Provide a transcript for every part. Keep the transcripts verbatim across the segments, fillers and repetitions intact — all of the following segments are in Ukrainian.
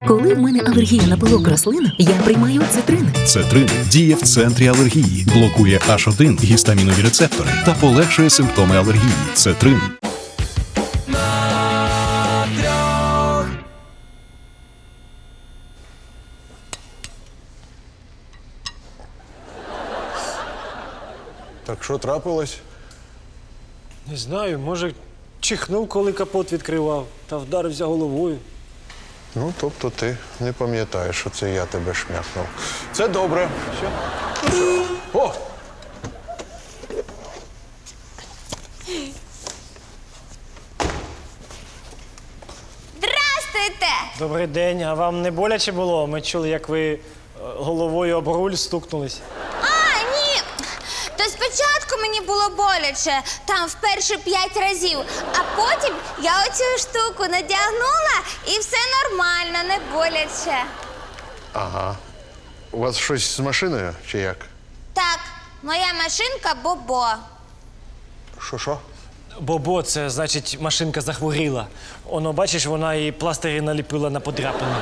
Коли в мене алергія на пилок рослин, я приймаю цитрин. Цетрин діє в центрі алергії, блокує аш один гістамінові рецептори та полегшує симптоми алергії. Цетрин. Так що трапилось? Не знаю, може, чихнув, коли капот відкривав, та вдарився головою. Ну, тобто ти не пам'ятаєш, що це я тебе шмякнув. Це добре. Що? О! Здрастуйте! Добрий день, а вам не боляче було? Ми чули, як ви е, головою об руль стукнулись. А, ні! То спочатку мені було боляче, там вперше п'ять разів, а потім я оцю штуку надягнула і все нормально, не боляче. Ага. У вас щось з машиною чи як? Так, моя машинка Бобо. Що-що? Бобо, це значить машинка захворіла. Оно, бачиш, вона і пластирі наліпила на подряпини.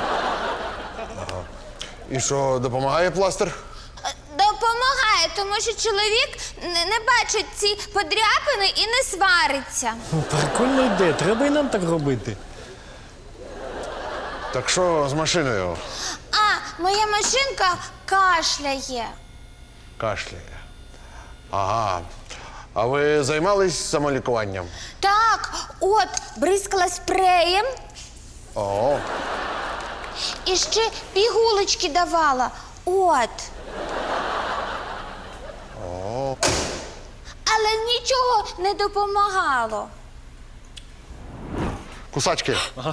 І що, допомагає пластир? Е, Допомагає, тому що чоловік не, не бачить ці подряпини і не свариться. Ну, прикольна ідея, треба і нам так робити. Так що з машиною? А, моя машинка кашляє. Кашляє. Ага. А ви займались самолікуванням? Так, от, бризкала спреєм О, і ще пігулочки давала. От. о. Але нічого не допомагало. Кусачки. Ага.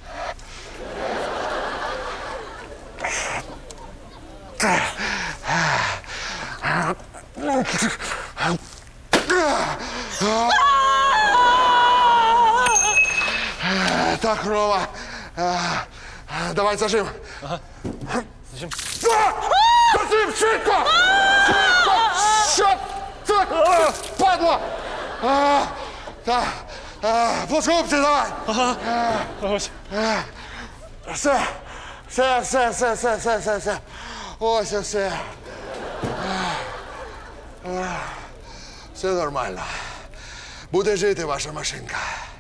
Так, Рома. Е, Давай зажим. Зажим. А! Зажим, швидко! Швидко! Що це? А, Падло! А, та, а, плоскогубці давай! Ось. Все, все, все, все, все, все, все, все. Ось і все. Все нормально. Буде жити ваша машинка.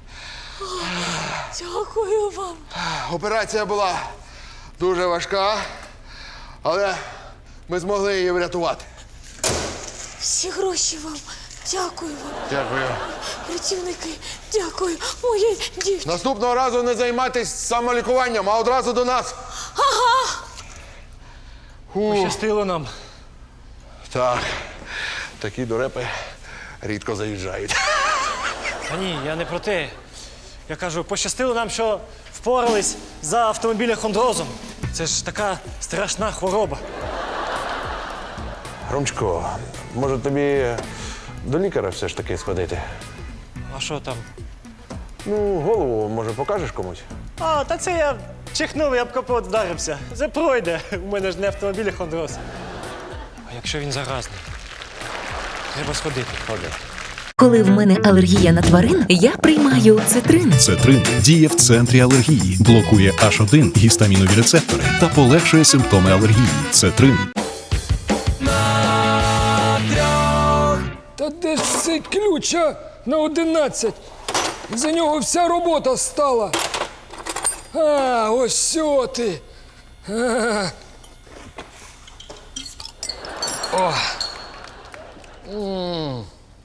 Дякую вам. Операція була дуже важка, але ми змогли її врятувати. Всі гроші вам. Дякую вам. Дякую. Працівники, дякую. Моїй дівчині. Наступного разу не займайтесь самолікуванням, а одразу до нас. Ага. Фу. Пощастило нам. Так, такі дурепи рідко заїжджають. Та ні, я не про те. Я кажу, пощастило нам, що впорались за автомобілехондрозом. Це ж така страшна хвороба. Ромчко, може тобі до лікаря все ж таки сходити? А що там? Ну, голову, може, покажеш комусь? А, та це я чихнув і об капот вдарився. Це пройде. У мене ж не автомобілехондроз. А якщо він заразний? Треба сходити. Ходи. Коли в мене алергія на тварин, я приймаю цитрин. Цетрин діє в центрі алергії, блокує аш один гістамінові рецептори та полегшує симптоми алергії. Цетрин. Та де ж цей ключ, а? На одинадцять. За нього вся робота стала. А, ось сьо ти. А. О. М.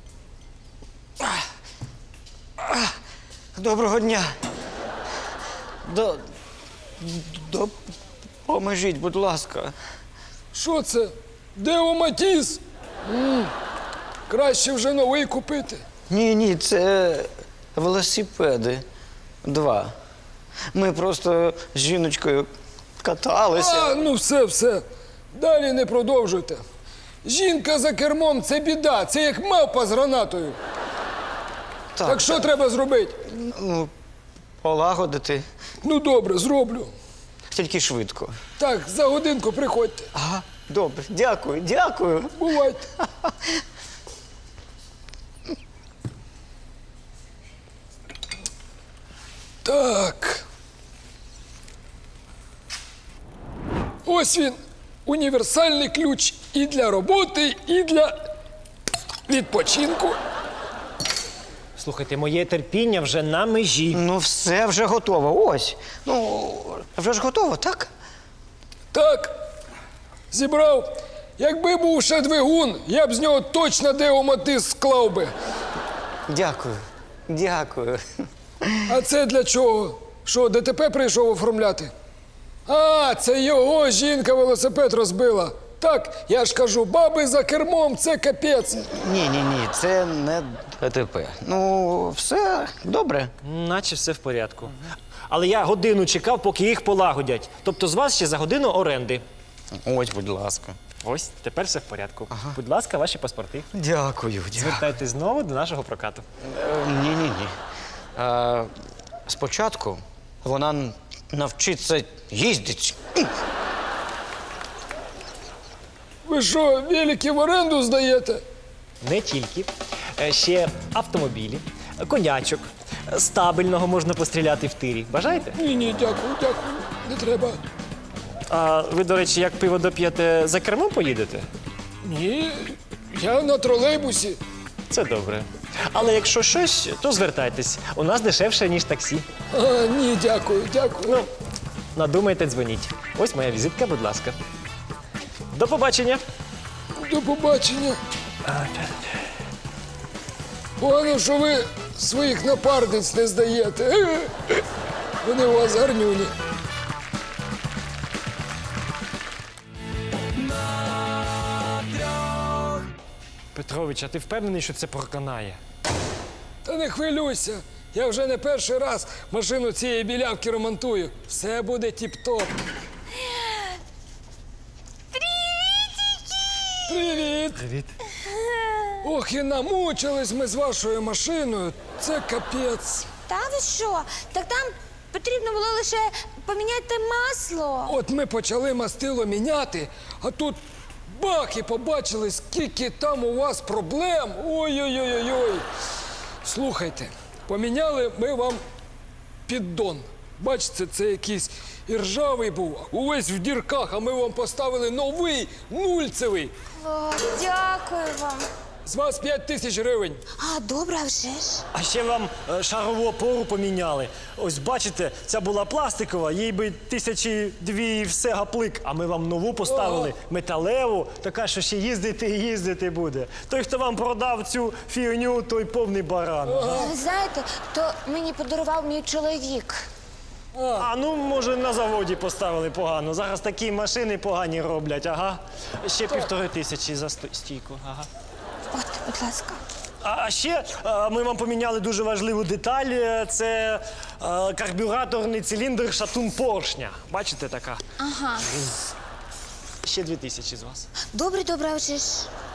Доброго дня. До... До... Поможіть, будь ласка. Що це? Део Матіс? М. Краще вже новий купити. Ні, ні, це велосипеди. Два. Ми просто з жіночкою каталися. А, ну все, все. Далі не продовжуйте. Жінка за кермом – це біда. Це як мавпа з гранатою. Так, Так що треба зробити? ну, полагодити. Ну добре, зроблю. Тільки швидко. Так, за годинку приходьте. Ага, добре. Дякую, дякую. Бувайте. Так. Ось він, універсальний ключ і для роботи, і для відпочинку. Слухайте, моє терпіння вже на межі. Ну, все вже готово. Ось. Ну, вже ж готово, так? Так, зібрав. Якби був ще двигун, я б з нього точно деоматис склав би. Дякую. Дякую. А це для чого? Що, ДТП прийшов оформляти? А, це його жінка велосипед розбила. Так, я ж кажу, баби за кермом – це капець. Ні, ні, ні, це не ДТП. Ну, все добре. Наче все в порядку. Але я годину чекав, поки їх полагодять. Тобто з вас ще за годину оренди. Ось, будь ласка. Ось, тепер все в порядку. Будь ласка, ваші паспорти. Дякую, дякую. Звертайтесь знову до нашого прокату. Ні, ні, ні. Е, спочатку вона н- навчиться їздити. Ви що, велики в оренду здаєте? Не тільки. Е, Ще автомобілі, конячок, стабільного можна постріляти в тирі. Бажаєте? Ні, ні, дякую, дякую, не треба. А ви, до речі, як пиво доп'єте, за кермом поїдете? Ні, я на тролейбусі. Це добре. Але якщо щось, то звертайтесь. У нас дешевше, ніж таксі. А, ні, дякую, дякую. Ну, надумайте, дзвоніть. Ось моя візитка, будь ласка. До побачення. До побачення. Погано, що ви своїх напарниць не здаєте. Вони у вас гарнюні. Петрович, а ти впевнений, що це проканає? Та не хвилюйся. Я вже не перший раз машину цієї білявки ремонтую. Все буде тіп-топ. Привіт! Привіт. Ох, і намучились ми з вашою машиною. Це капець. Та ви що? Так там потрібно було лише поміняти масло. От ми почали мастило міняти, а тут бах, і побачили, скільки там у вас проблем. Ой-ой-ой-ой. Слухайте, поміняли ми вам піддон. Бачите, це якийсь і ржавий був, увесь в дірках, а ми вам поставили новий, нульцевий. О, дякую вам. З вас п'ять тисяч гривень. А, добре, а вже ж. А ще вам е, шарову опору поміняли. Ось бачите, ця була пластикова, їй би тисячі дві і все гаплик. А ми вам нову поставили, металеву, така, що ще їздити і їздити буде. Той, хто вам продав цю фігню, той повний баран. Ви знаєте, то мені подарував мій чоловік. А ну, може, на заводі поставили погано. Зараз такі машини погані роблять, ага. Ще півтори тисячі за сто- стійку, ага. От, будь ласка. А ще е, ми вам поміняли дуже важливу деталь. е, Це е, карбюраторний циліндр шатун поршня. Бачите, така? Ага. Ще дві тисячі з вас. Добре, добре, а вже ж.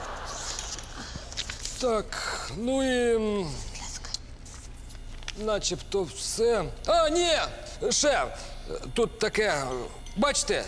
Так, ну і м, Будь ласка. начебто все. А, ні, ще, тут таке, бачите?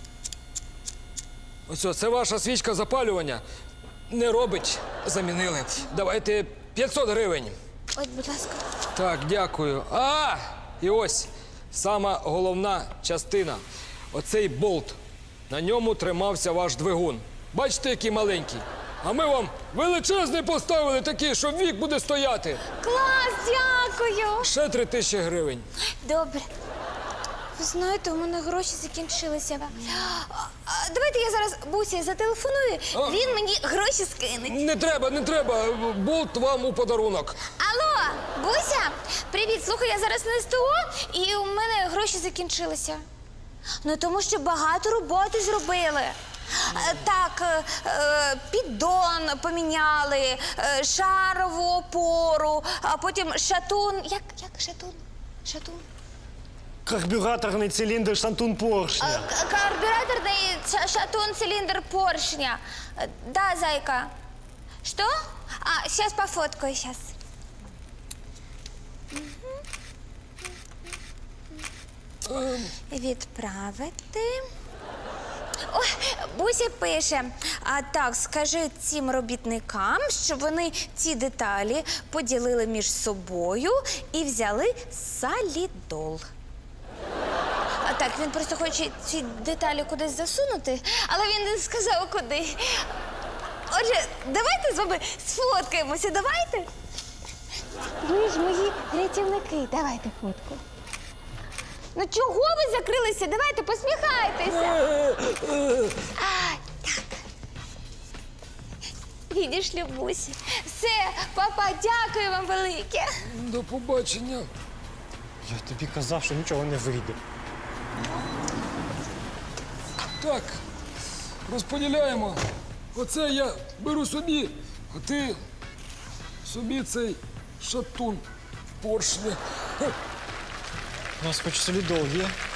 Ось, це ваша свічка запалювання. Не робить, замінили. Давайте п'ятсот гривень. От, будь ласка. Так, дякую. А, і ось сама головна частина. Оцей болт. На ньому тримався ваш двигун. Бачите, який маленький? А ми вам величезний поставили такий, що вік буде стояти. Клас, дякую. Ще три тисячі гривень. Добре. Ви знаєте, у мене гроші закінчилися. А, а, Давайте я зараз Бусі зателефоную, А? він мені гроші скине. Не треба, не треба. Болт вам у подарунок. Алло, Буся, привіт. Слухай, я зараз на СТО, і у мене гроші закінчилися. Ну, тому що багато роботи зробили. Е, Так, е, е, піддон поміняли, е, шарову опору, а потім шатун. Як, як шатун? Шатун? Карбюраторний циліндр шатун поршня. Е, к- Карбюраторний ша- шатун цилиндр поршня. Е, Да, зайка. Что? А, сейчас пофоткаю, сейчас. Відправити. Ой, Буся пише, а так, скажи цим робітникам, щоб вони ці деталі поділили між собою і взяли салідол. А, так, Так, він просто хоче ці деталі кудись засунути, але він не сказав куди. Отже, давайте з вами сфоткаємося, давайте. Ви ж мої рятівники, давайте фотку. Ну чого ви закрилися? Давайте посміхайтеся. А, так. Відійшли бусі. Все, папа, дякую вам велике. До побачення. Я тобі казав, що нічого не вийде. Так, розподіляємо. Оце я беру собі, а ти собі цей шатун в поршні. У нас хоч солідол є.